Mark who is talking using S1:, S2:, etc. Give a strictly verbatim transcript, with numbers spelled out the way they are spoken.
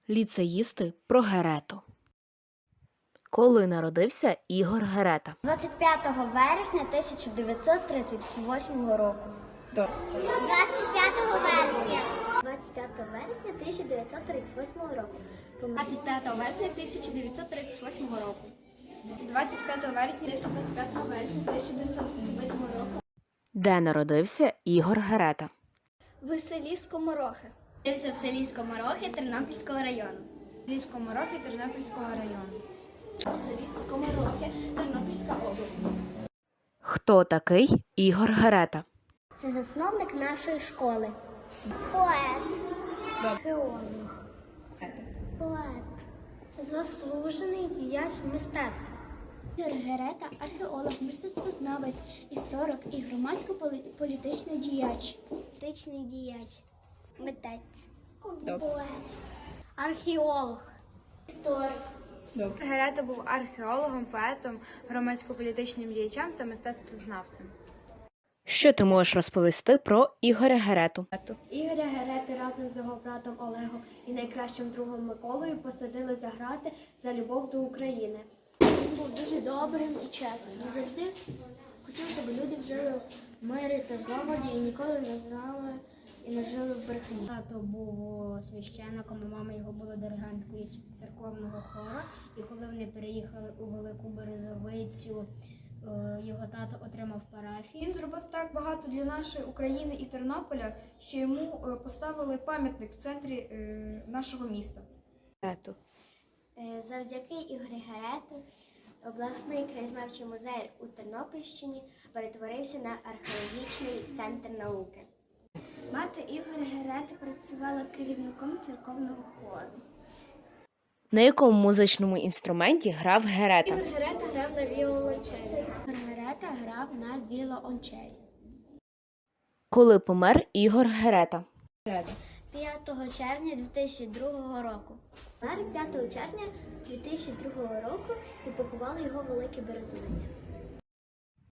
S1: Ліцеїсти про Герету. Коли народився Ігор Герета?
S2: двадцять п'ятого вересня тисяча дев'ятсот тридцять восьмого року. двадцять п'ятого вересня. двадцять п'ятого вересня тисяча дев'ятсот тридцять восьмого року.
S3: двадцять п'ятого вересня тисяча дев'ятсот тридцять восьмого року. двадцять п'ятого вересня двадцять п'ятого вересня тисяча дев'ятсот тридцять восьмого року.
S1: Де народився Ігор Герета?
S3: В селі Скоморохи. Народився в селі Скоморохи Тернопільського району. В селі Скоморохи Тернопільського району. У селі Скоморохи Тернопільська область.
S1: Хто такий Ігор Герета?
S2: Це засновник нашої школи. Поет. Археолог. Поет. Заслужений діяч мистецтва.
S3: Ігор Герета – археолог, мистецтвознавець, історик і громадсько-політичний діяч.
S2: Політичний діяч. Митець. Поет. Археолог. Історик.
S4: Герета був археологом, поетом, громадсько-політичним діячем та мистецтвознавцем.
S1: Що ти можеш розповісти про Ігоря Герету?
S3: Ігоря Герети разом з його братом Олегом і найкращим другом Миколою посадили за грати за любов до України. Він був дуже добрим і чесним. Він завжди хотів, щоб люди жили в мирі та злагоді і ніколи не знали і не жили в брехні. Тато був священником, а мама його була диригенткою церковного хору. І коли вони переїхали у Велику Березовицю, його тато отримав парафію.
S5: Він зробив так багато для нашої України і Тернополя, що йому поставили пам'ятник в центрі нашого міста.
S1: Герету.
S2: Завдяки Ігорю Герету обласний краєзнавчий музей у Тернопільщині перетворився на археологічний центр науки.
S3: Мати Ігоря Герети працювала керівником церковного хору.
S1: На якому музичному інструменті грав Герета?
S3: Ігор Герета грав на віолончелі. Ігор Герета грав на віолончелі.
S1: Коли помер Ігор Герета?
S2: п'ятого червня дві тисячі другого року. Помер п'ятого червня дві тисячі другого року і поховали його в Великій Березовиці.